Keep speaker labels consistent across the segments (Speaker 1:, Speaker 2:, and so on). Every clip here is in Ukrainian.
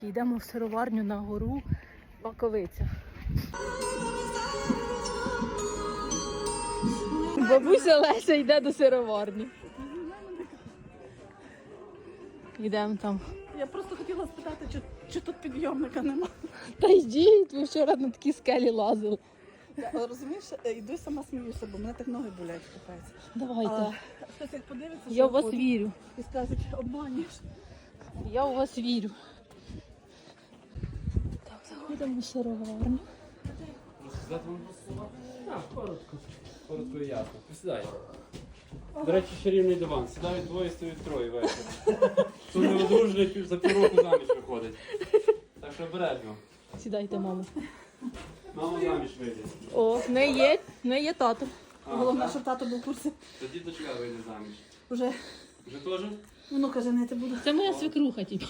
Speaker 1: Йдемо в сироварню на гору Баковиця. Бабуся Леся йде до сироварні. Йдемо там.
Speaker 2: Я просто хотіла спитати, чи тут підйомника нема.
Speaker 1: Та йдіть, ви вчора на такі скелі лазили.
Speaker 2: Я, розумієш, йду і сама сміюся, бо мене так ноги болять, капець.
Speaker 1: Давайте.
Speaker 2: Але хтось як подивиться,
Speaker 1: Я
Speaker 2: що
Speaker 1: в вас
Speaker 2: ходить,
Speaker 1: вірю.
Speaker 2: і скажуть, обманюєш.
Speaker 1: Я у вас вірю. Так, заходимо в сироварню.
Speaker 3: Розказати вам про слова? Так, коротко. Коротко і ясно. Посідай. До речі, чарівний диван. Сідають двоє, стоять троє вечір. Хто не одружений, за півроку заміж виходить. Так що обережно.
Speaker 1: Сідайте, мамо.
Speaker 3: Мама заміж вийде.
Speaker 1: О, в неї є тато.
Speaker 2: Головне,
Speaker 3: так?
Speaker 2: щоб тато був в курсі.
Speaker 3: Тоді дочка вийде заміж.
Speaker 2: Вже
Speaker 3: Вже теж?
Speaker 2: внука женити буду.
Speaker 1: Це моя свекруха, типу.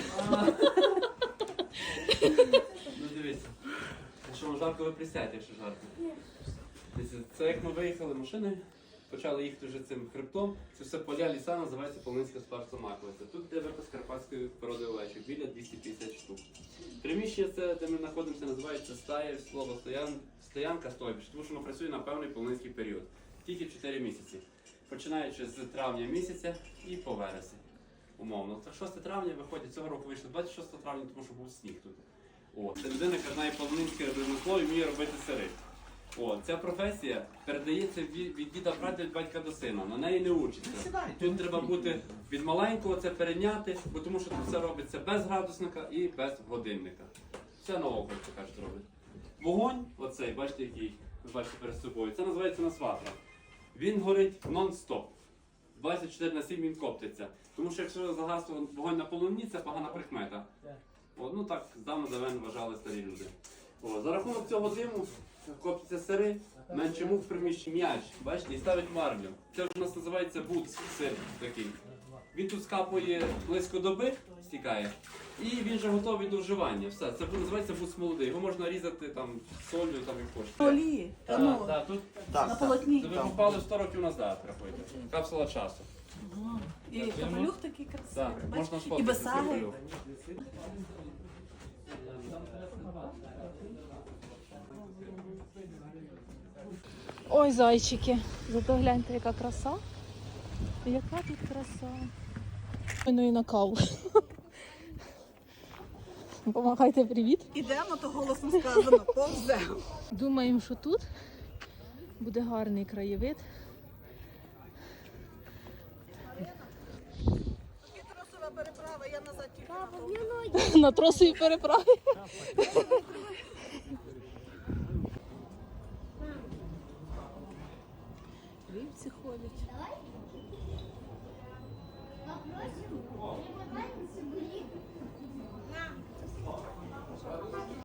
Speaker 3: Ну дивіться. Якщо вам жарко, ви присядьте, якщо жарко. Дивіться, це як ми виїхали машиною, почали їхати вже цим хребтом. Це все поля ліса, називається Полинська Спарса Маковиця. Тут де випас карпатської породи овечок, біля 250 штук. Приміщення це, де ми знаходимося, називається стая, слово стоянка стойбищ, тому що воно працює на певний полинський період. Тільки 4 місяці. Починаючи з травня місяця і по вересень. Умовно. Так 6 травня виходить, цього року вийшло 26 травня, тому що був сніг тут. О, це людина, яка знає полонинське ремесло і вміє робити сири. О, ця професія передається від діда прадіда, від батька до сина. На неї не учиться. Тут треба бути від маленького це перейняти, бо тому що тут все робиться без градусника і без годинника. Все на око, як кажуть, робить. Вогонь, оцей, бачите, який ви бачите перед собою, це називається насватра. Він горить нон-стоп. 24/7 він коптиться. Тому що якщо загасло вогонь на полоні, це погана прикмета. О, ну так, здавна давен вважали старі люди. О, за рахунок цього диму коптяться сири, менше мух в приміщенні м'яч, бачите, і ставить марлю. Це у нас називається буц, сир такий. Він тут скапує близько доби, стікає, і він вже готовий до вживання. Все, це називається буц молодий. Його можна різати там солью, там як хочете.
Speaker 2: Олії, ну,
Speaker 3: Так, тут
Speaker 2: на полотні.
Speaker 3: це ви попали 100 років назад, рахуйте. Капсула часу.
Speaker 2: І капелюх такий красивий.
Speaker 3: Так,
Speaker 2: бачиш?
Speaker 3: можна
Speaker 2: І
Speaker 3: сфоткати.
Speaker 2: без саги.
Speaker 1: Ой, зайчики. Зато гляньте, яка краса. Яка тут краса. Ну і на каву. Помагайте, привіт.
Speaker 2: Ідемо, то голосно сказано, повземо.
Speaker 1: Думаємо, що тут буде гарний краєвид.
Speaker 2: Тросова переправа, я назад тільки.
Speaker 1: На тросовій переправі.
Speaker 2: Вівці ходять.